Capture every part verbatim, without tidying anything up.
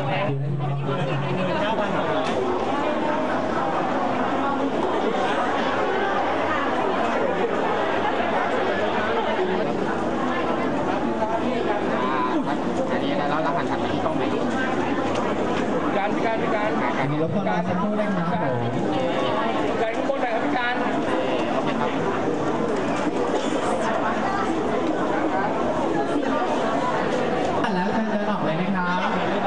เก้าพันสองร้อยอันนี้แล้วเราหันหันไปที่กล้องไหนการพิการพิการการมีรถพลาสักครู่ได้ครับผมการข้างบนไหนครับพิการแล้วเชิญเดินออกเลยนะครับ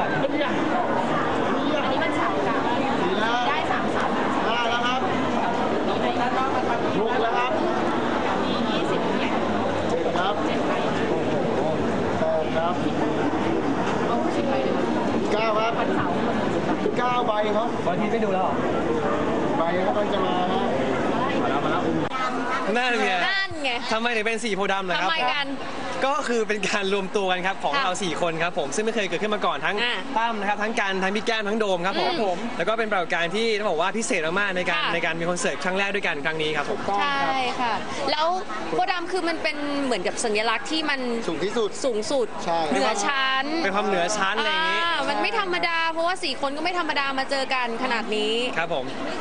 อันนี้มันสามค่ะได้สามสามได้แล้วครับลุกแล้วครับมียี่สิบเนี่ยครับเจ็ดใบแปดครับเอาสิบใบเลยเก้าครับวันเสาร์เก้าใบครับวันที่ไม่ดูแล้วหรอใบก็ต้องจะมาครับมาแล้วมาแล้วนั่นไงนั่นไงทำไมถึงเป็นสีโพธิ์ดำเหรอครับทำไมกันก็คือเป็นการรวมตัวกันครับของค่ะเราสี่คนครับผมซึ่งไม่เคยเกิดขึ้นมาก่อนทั้งอ่าตั้มนะครับทั้งการทั้งพี่แก้มทั้งโดมครับผมอืมผมแล้วก็เป็นปรากฏการณ์ที่ต้องบอกว่าพิเศษมากๆในการค่ะในการมีคอนเสิร์ตครั้งแรกด้วยกันครั้งนี้ครับผมใช่ค่ะ แล้วโพธิ์ดำคือมันเป็นเหมือนกับสัญลักษณ์ที่มันสูงที่สุดสูงสุดใช่เหนือชั้นเป็นความเหนือชั้นอะไรอย่างนี้อ่ามันไม่ธรรมดา เพราะว่าสี่คนก็ไม่ธรรมดามาเจอกันขนาดนี้ครับผม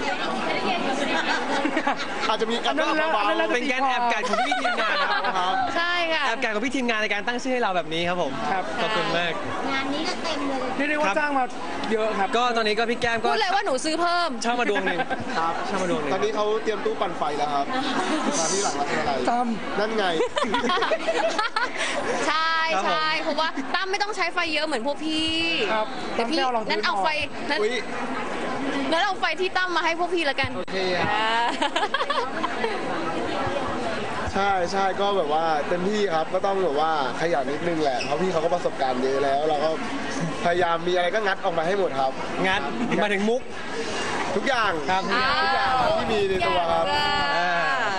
อาจจะมีการเบาๆเป็นการแอบกัดของพี่ทีมงานครับใช่ค่ะแอบกัดของพี่ทีมงานในการตั้งชื่อให้เราแบบนี้ครับผมครับขอบคุณมากงานนี้ก็เต็มเลยนี่เรียกว่าจ้างมาเยอะครับก็ตอนนี้ก็พี่แก้มก็พูดเลยว่าหนูซื้อเพิ่มเช่ามาดวงหนึ่งครับเช่ามาดวงหนึ่งตอนนี้เขาเตรียมตู้ปั่นไฟแล้วครับ มาที่หลังรัชอะไรตั้มนั่นไงใช่ใช่เพราะว่าตั้มไม่ต้องใช้ไฟเยอะเหมือนพวกพี่ครับแต่พี่ตั้มแค่เอารองพื้นนั้นเอาไฟนั้นอุ๊ยนั้นเอาไฟที่ตั้มมาให้พวกพี่ละกันโอเคอะอ่าใช่ใช่ก็แบบว่าเต็มที่ครับก็ต้องแบบว่าขยันนิดนึงแหละเพราะพี่เขาก็ประสบการณ์เยอะแล้ว เราก็พยายามมีอะไรก็งัดออกมาให้หมดครับงัดมาถึงมุกทุกอย่างครับทุกอย่างครับที่มีในตัวครับอ่า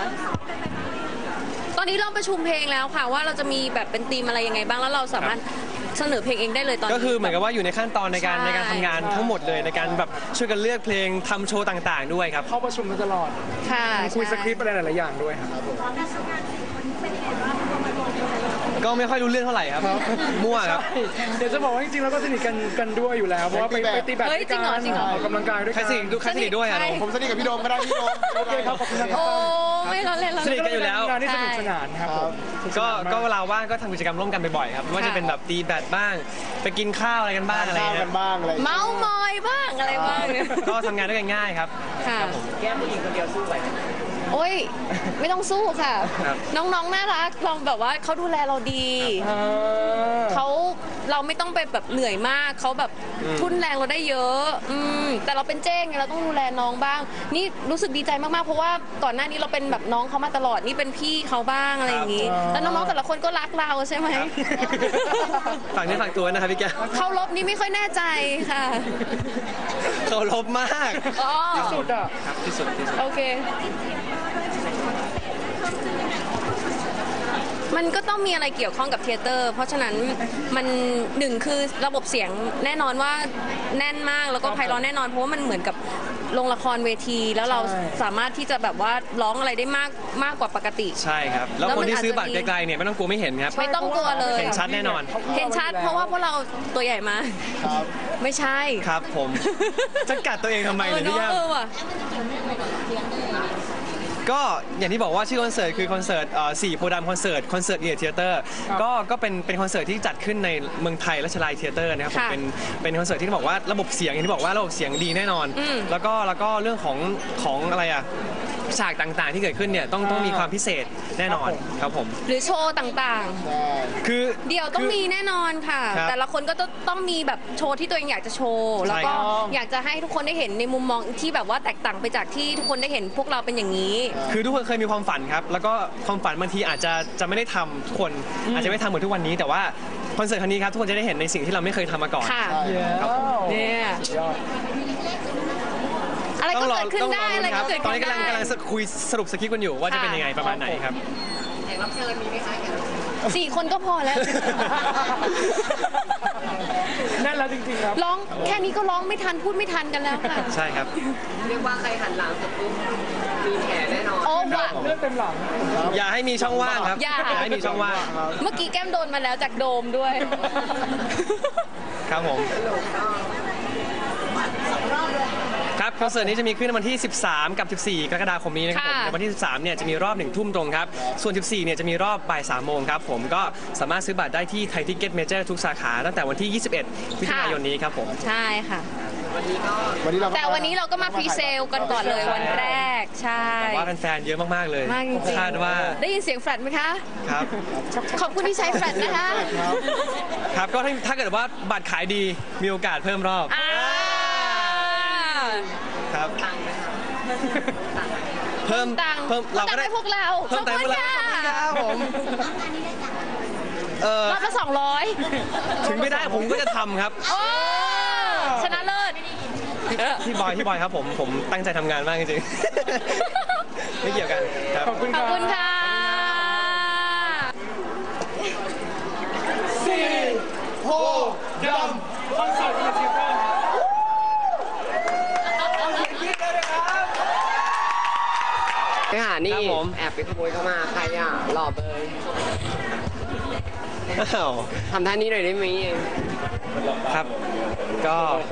ตอนนี้เราประชุมเพลงแล้วค่ะว่าเราจะมีแบบเป็นธีมอะไรยังไงบ้างแล้วเราสามารถเสนอเพลงเองได้เลยตอนนี้ก็คือเหมือนกับว่าอยู่ในขั้นตอนในการใช่ในการทำงานทั้งหมดเลยในการแบบช่วยกันเลือกเพลงทำโชว์ต่างๆด้วยครับเข้าประชุมกันตลอดค่ะคุยสใช่คริปต์อะไรหลายๆอย่างด้วยครับก็ไม่ค่อยรู้เรื่องเท่าไหร่ครับมั่วครับเดี๋ยวจะบอกว่าจริงๆแล้วก็สนิทกันกันด้วยอยู่แล้วเพราะว่าไปไปตีแบดเฮ้ยจริงเหรอจริงเหรอออกกำลังกายด้วยใครกันสนิทดูใครสนิทด้วยอะใช่ผมสนิทกับพี่โดมก็ได้พี่โดมโอเคครับขอบคุณนะครับโอ้ไม่เราเล่นเราสนิเล่ทนกันอยู่แล้วงานที่สนุกสนานครับผมก็ก็เวลาว่างก็ทำกิจกรรมร่วมกันบ่อยๆครับไม่ว่าจะเป็นแบบตีแบดบ้าง ไปกินข้าวอะไรกันบ้างอะไรข้าวเงี้กัยนบ้างอะไรเมาส์มอยบ้างอะไรบ้างเนี่ยก็ทำงานด้วยกันง่ายครับค่ะแก้มผู้หญิงคนเดียวสู้ไหวโอ้ยไม่ต้องสู้ค่ะครับน้องๆน่ารักเราแบบว่าเขาดูแลเราดีเขาเราไม่ต้องไปแบบเหนื่อยมากเขาแบบทุ่นแรงเราได้เยอะอืมแต่เราเป็นเจ้งไงเราต้องดูแลน้องบ้าง นี่รู้สึกดีใจมากๆเพราะว่าก่อนหน้านี้เราเป็นแบบน้องเขามาตลอดนี่เป็นพี่เขาบ้างอะไรอย่างนี้แล้วน้องๆแต่ละคนก็รักเราใช่ไหมฝากเนื้อฝากตัวนะครับพี่แก้วเขาลบนี่ไม่ค่อยแน่ใจค่ะเขาลบมากอ๋อสุดอ่ะครับที่สุดที่สุดโอเค มันก็ต้องมีอะไรเกี่ยวข้องกับเทยเตอร์ เพราะฉะนั้นมันหนึ่งคือระบบเสียงแน่นอนว่าแน่นมากแล้วก็ไพเราะแน่นอนเพราะว่ามันเหมือนกับโรงละครเวที แล้วเราสามารถที่จะแบบว่าร้องอะไรได้มากมากกว่าปกติใช่ครับแล้วแล้วคมัน นที่ซื้ออาจจะบัตรไกลๆเนี่ยไม่ต้องกลัวไม่เห็นครับไม่ต้องกลัวเลยเห็นชัดแน่นอนเห็นชัดเพราะว่าพวกเราตัวใหญ่มากครับไม่ใช่ครับผมจะกัดตัวเองทำไมเออเนี่ยพี่เนาะแก้วเออว่ะก็อย่างที่บอกว่าชื่อคอนเสิร์ตคือคอนเสิร์ตเอ่อสี่โพธิ์ดำคอนเสิร์ตคอนเสิร์ตเอียร์เทเตอร์ก็ก็เป็นเป็นคอนเสิร์ตที่จัดขึ้นในเมืองไทยรัชลายเทเตอร์นะครับผมค่ะเป็นเป็นคอนเสิร์ตที่บอกว่าระบบเสียงอย่างที่บอกว่าระบบเสียงดีแน่นอนอืมแล้วก็แล้วก็เรื่องของของอะไรอะฉากต่างๆที่เกิดขึ้นเนี่ยต้องต้องมีความพิเศษแน่นอนครับผมหรือโชว์ต่างใช่คือๆ เดี๋ยวต้องคืมีแน่นอนค่ะครับแต่ละคนก็ต้องต้องมีแบบโชว์ที่ตัวเองอยากจะโชว์แล้วก็ใช่ครับอยากจะให้ทุกคนได้เห็นในมุมมองที่แบบว่าแตกต่างไปจากที่ทุกคนได้เห็นพวกเราเป็นอย่างนี้คือทุกคนเคยมีความฝันครับ แล้วก็ความฝันบางทีอาจจะจะไม่ได้ทำทุกคนอาจจะไม่ทำเหมือนทุกวันนี้ แต่ว่าคอนเสิร์ตครั้งนี้ครับทุกคนจะได้เห็นในสิ่งที่เราไม่เคยทำมาก่อนค่ะครับผมเนี่ยยอดอะไรก็เกิดขึ้นต้องรได้ออะไรคก็รับเกิดตอนขึ้นี้นกำลังได้กำลังคุยสรุปสคริปต์กันอยู่ว่าจะเป็นยังไงประมาณไหนครับสี่คนก็พอแล้วนั่นแล้วจริงๆครับร้องแค่นี้ก็ร้องไม่ทันพูดไม่ทันกันแล้วค่ะใช่ครับเรียกว่าใครหันหลังเสร็จปุ๊บมีแผลแน่นอนโอ้ว่ะเลือดเต็มหลังอย่าให้มีช่องว่างครับอย่าให้มีช่องว่างเมื่อกี้แก้มโดนมาแล้วจากโดมด้วยครับผมสรุปก็คอนเสิร์ตนี้จะมีขึ้นในวันที่ สิบสาม กับ สิบสี่ กรกฎาคมนี้นะครับผมค่ะในวันที่ สิบสาม เนี่ยจะมีรอบหนึ่งทุ่มตรงครับ ส่วน สิบสี่ เนี่ยจะมีรอบบ่ายสามโมงครับผมก็สามารถซื้อบัตรได้ที่ไทยทิกเก็ตเมเจอร์ทุกสาขาตั้งแต่วันที่ ยี่สิบเอ็ด มิถุนายนนี้ครับผมใช่ค่ะวันนี้เราแต่วันนี้เราก็มาพรีเซลกันก่อนเลยวันแรก ใช่ว่าแฟนๆเยอะมากๆเลยมากจริงๆคาดว่าได้ยินเสียงแฟลตไหมคะครับขอบคุณที่ใช้แฟลตนะคะครับครับก็ถ้าถ้าเกิดว่าบัตรขายดีมีโอกาสเพิ่มรอบอ่าครับตังค์ไหมคะเพิ่มตังค์เพิ่มเราก็ได้ตังค์ให้พวกเราเพิ่มตังค์ให้พวกเราขอบคุณค่ะครับผมเออรอบละสองร้อยถึงไม่ได้ผมก็จะทำครับโอ้ชนะเลิศพี่บอยพี่บอยครับผมผมตั้งใจทำงานมากจริงๆ ไม่เกี่ยวกันครับขอบคุณขคอบรับคุณค่ะสี่โพดำคอนเสิร์ตเอเชียเตอร์ครับเอาเสียงกรี๊ดเลยนะครับไปหานี่ครับผมแอบไปขโมยเข้ามาใครอ่ะหล่อเบยอ้าวทำท่านี้หน่อยได้ไหมครับ ก็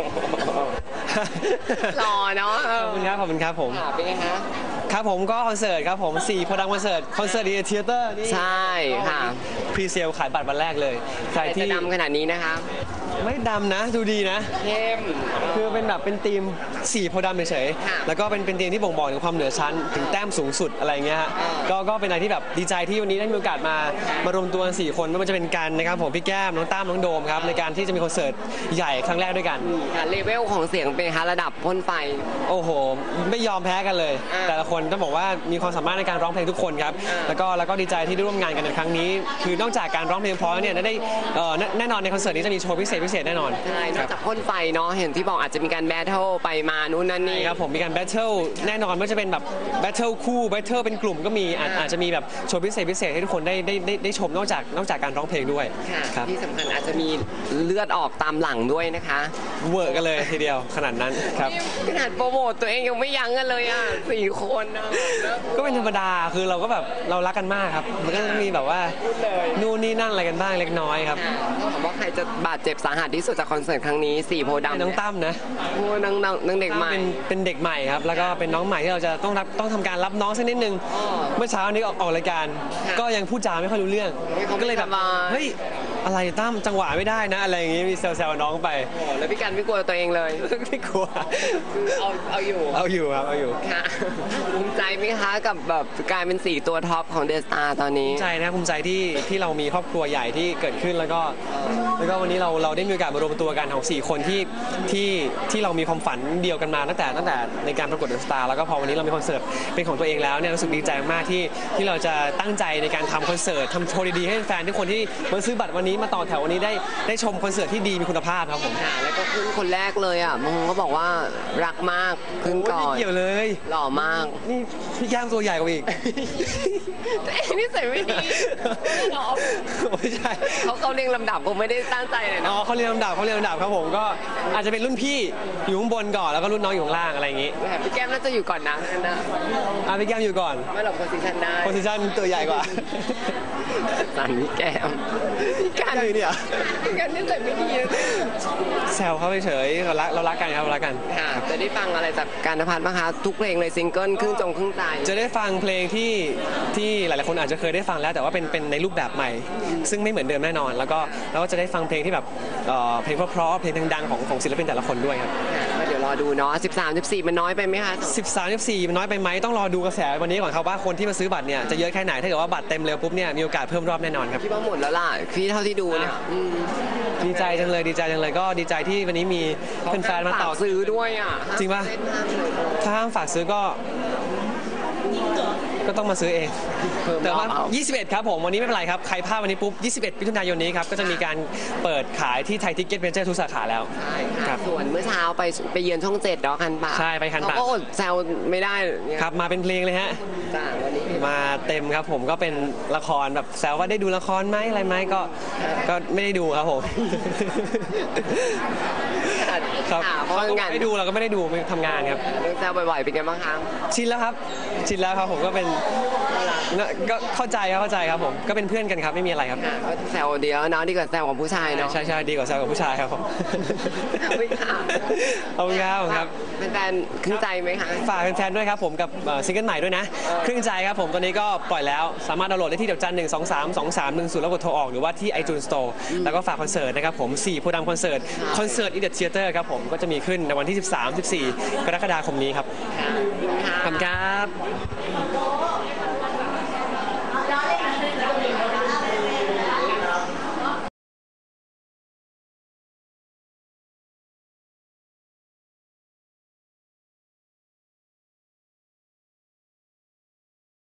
หล่อเนาะเอขออบคุณครับขอบคุณครับผมค่ะเป็นไงคะครับผมก็คอนเสิร์ตครับผมสี่โพดังคอนเสิร์ตคอนเสิร์ตดีเทเตอร์นี่ใช่ค่ะพรีเซลขายบัตรวันแรกเลยใครใครที่จะดำขนาดนี้นะคะไม่ดำนะดูดีนะเข้มคือเป็นแบบเป็นทีมสีโพธิ์ดำเฉยค่ะๆแล้วก็เป็นเป็นทีมที่บ่งบอกถึงความเหนือชั้นถึงแต้มสูงสุดอะไรเงี้ยฮะอ่าก็ก็เป็นอะไรที่แบบดีใจที่วันนี้ได้มีโอกาสมามารวมตัวกันสี่คนไม่ว่าจะเป็นกันนะครับผมพี่แก้มน้องตั้มน้องโดมครับในการที่จะมีคอนเสิร์ตใหญ่ครั้งแรกด้วยกันค่ะเลเวลของเสียงเป็นคะระดับพ่นไฟโอ้โห ไม่ยอมแพ้กันเลยอ่าแต่ละคนต้องบอกว่ามีความสามารถในการร้องเพลงทุกคนครับอ่าแล้วก็แล้วก็ดีใจที่ได้ร่วมงานกันในครั้งนี้ คือนอกจากการร้องเพลงเพราะแล้วเนี่ยได้เอ่อแน่แน่นอนในคอนเสิร์ตนี้จะมีโชว์พิเศษพิเศษแน่นอนใช่นคอรักบจากพ่นไฟเนาะเห็นที่บอกอาจจะมีการแบทเทิลไปมานู่นนั่นนี่ครับผมมีการแบทเทิลแน่นอนว่าจะเป็นแบบแบทเทิลคู่แบทเทิลเป็นกลุ่มก็มีอาจอ่าอาจจะมีแบบโชว์พิเศษพิเศษให้ทุกคนได้ได้ได้ได้ชมนอกจากนอกจากการร้องเพลงด้วยค่ะครับที่สำคัญอาจจะมีเลือดออกตามหลังด้วยนะคะเวอร์กันเลยทีเดียวขนาดนั้นครับขนาดโปรโมทตัวเองยังไม่ยั้งกันเลยอ่ะสี่คนนะก็เป็นธรรมดาคือเราก็แบบเรารักกันมากครับมันก็ต้องมีแบบว่านู่นนี่นั่นอะไรกันบ้างเล็กน้อยครับค่ะถามว่าใครจะบาดเจ็บสาหัสที่สุดจากคอนเสิร์ตครั้งนี้สี่โพธิ์ดำน้องตั้มนะโอ้น้องน้องน้องเด็กใหม่เป็นเป็นเด็กใหม่ครับ แล้วก็เป็นน้องใหม่ที่เราจะต้องรับต้องทำการรับน้องสักนิดนึงอ๋อเมื่อเช้านี้ออกออกรายการค่ะก็ยังพูดจาไม่ค่อยรู้เรื่องเฮ้ยเขาไม่ก็เลยแบบสบายเฮ้ยอะไรตั้มจังหวะไม่ได้นะ อะไรอย่างงี้มีแซวๆน้องไปโอ้แล้วพี่กันไม่กลัวตัวเองเลยไม่กลัวคือเอาเอาอยู่เอาอยู่ครับเอาอยู่ค่ะภูมิใจไหมคะกับแบบกลายเป็นสี่ตัวท็อปของเดสตาตอนนี้ภูมิใจนะภูมิใจที่ที่เรามีครอบครัวใหญ่ที่เกิดขึ้นแล้วก็แล้วก็วันนี้เราเราได้มีโอกาสมารวมตัวกันของสี่คนที่ที่ที่เรามีความฝันเดียวกันมาตั้งแต่ตั้งแต่ในการประกวดเดอะสตาร์แล้วก็พอวันนี้เรามีคอนเสิร์ตเป็นของตัวเองแล้วเนี่ยรู้สึกดีใจมากที่ที่เราจะตั้งใจในการทำคอนเสิร์ตทำโชว์ดีๆให้แฟนทุกคนที่มาซื้อบัตรวันนี้มาต่อแถววันนี้ได้ได้ชมคอนเสิร์ตที่ดีมีคุณภาพครับผมค่ะแล้วก็ขึ้นคนแรกเลยอ่ะบางคนก็บอกว่ารักมากขึ้นก่อไม่นเกี่ยวเลยหล่อมากนี่พี่ย่างตัวใหญ่กว่าอีกตัวเองนี่ใส่ไม่ดีหรอไม่ใช่เขาเขาเรียงลำดับผมไม่ได้ตั้งใจเลยอ๋นะอเขาเรียนลำดับเขาเรียนลำดับครับผมก็อาจจะเป็นรุ่นพี่อยู่ข้างบนก่อนแล้วก็รุ่นน้องอยู่ข้างล่างอะไรอย่างงี้แต่พี่แก้มน่าจะอยู่ก่อนนะนั่นนะอ่ะพี่แก้มอยู่ก่อนไม่หรอกโพสิชันได้โพสิชันตัวใหญ่กว่าสันพี่แก้มพี่กันใช่เนี่ยพี่กันนี่ใส่ไม่ดีนะแซวเขาเฉยๆเรารักเรารักกันครับเรารักกันค่ะจะได้ฟังอะไรจากการณพัฒน์บ้างคะทุกเพลงเลยซิงเกิลครึ่งจงครึ่งใจจะได้ฟังเพลงที่ที่หลายๆคนอาจจะเคยได้ฟังแล้วแต่ว่าเป็นเป็นในรูปแบบใหม่ ซึ่งไม่เหมือนเดิมแน่นอน แล้วก็เราก็จะได้ฟังเพลงที่แบบเอ่อเพลงเพราะๆเพลงดังๆของของศิลปินแต่ละคนด้วยครับค่ะก็เดี๋ยวรอดูเนาะสิบสาม สิบสี่มันน้อยไปไหมคะสิบสาม สิบสี่มันน้อยไปไหมต้องรอดูกระแสวันนี้ก่อนครับว่าคนที่มาซื้อบัตรเนี่ยจะเยอะแค่ไหนถ้าเกิดว่าบัตรเต็มเร็วปุ๊บเนี่ยมีโอกาสเพิ่มรอบแน่นอนครับพี่ว่าหมดแล้วล่ะพี่เท่าที่ดูเนี่ยอืมดีใจจังเลยดีใจจังเลยก็ดีใจที่วันนี้มีแฟนๆมาต่อฝกซื้อด้วยอ่ะจริงปะเส้นทางเลยถ้าห้ามฝากซื้อก็ก็ต้องมาซื้อเองเพิ่มแต่ว่ารอบเอายี่สิบเอ็ดครับผมวันนี้ไม่เป็นไรครับใครพลาดวันนี้ปุ๊บยี่สิบเอ็ดมิถุนายนนี้ครับก็จะมีการเปิดขายที่ไทยทิกเก็ตเมเจอร์ทุกสาขาแล้วใช่ครัค่ะบส่วนเมื่อเช้าไปไปเยือนช่องเจ็ดเนาะคันปากใช่ไปคันปากเขาก็อดแซวไม่ได้เนี่ยครับมาเป็นเพลงเลยฮะจ้าวันนี้มาเต็มครับผมก็เป็นละครแบบแซวว่าได้ดูละครไหมอะไรไหมก็ก็ไม่ได้ดูครับผมค่ะครับค่ะเพเขาราะก็งานไม่ดูเราก็ไม่ได้ดูไปทำงานครับเรื่องแซวบ่อยๆเป็นไงบ้างคะชินแล้วครับชินแล้วครับผมก็เป็นก็เข้าใจครับเข้าใจครับผมก็เป็นเพื่อนกันครับไม่มีอะไรครับค่ะก็แซวเดียวเนาะดีกว่าแซวของผู้ชายเนาะใช่ใช่ดีกว่าแซวกับผู้ชายครับผมขอบคุณค่ะขอบคุณครับขอบคุณครับเป็นแฟนขึ้นใจไหมคะฝากแฟนๆด้วยครับผมกับเอ่อซิงเกิลใหม่ด้วยนะครึ่งใจครับผมตอนนี้ก็ปล่อยแล้วสามารถดาวน์โหลดได้ที่เดี๋ยวจันหนึ่งสองสามสองสามหนึ่งศูนย์แล้วกดโทรออกหรือว่าที่ iTunes Store แล้วก็ฝากคอนเสิร์ตนะครับผมสี่โพธิ์ดำคอนเสิร์ตคอนเสิร์ตอีเด t เ h ียเตอร์ครับผมก็จะมีขึ้นในวันที่สิบสาม สิบสี่กรกฎาคมนี้ครับค่ะขอบคุณครับ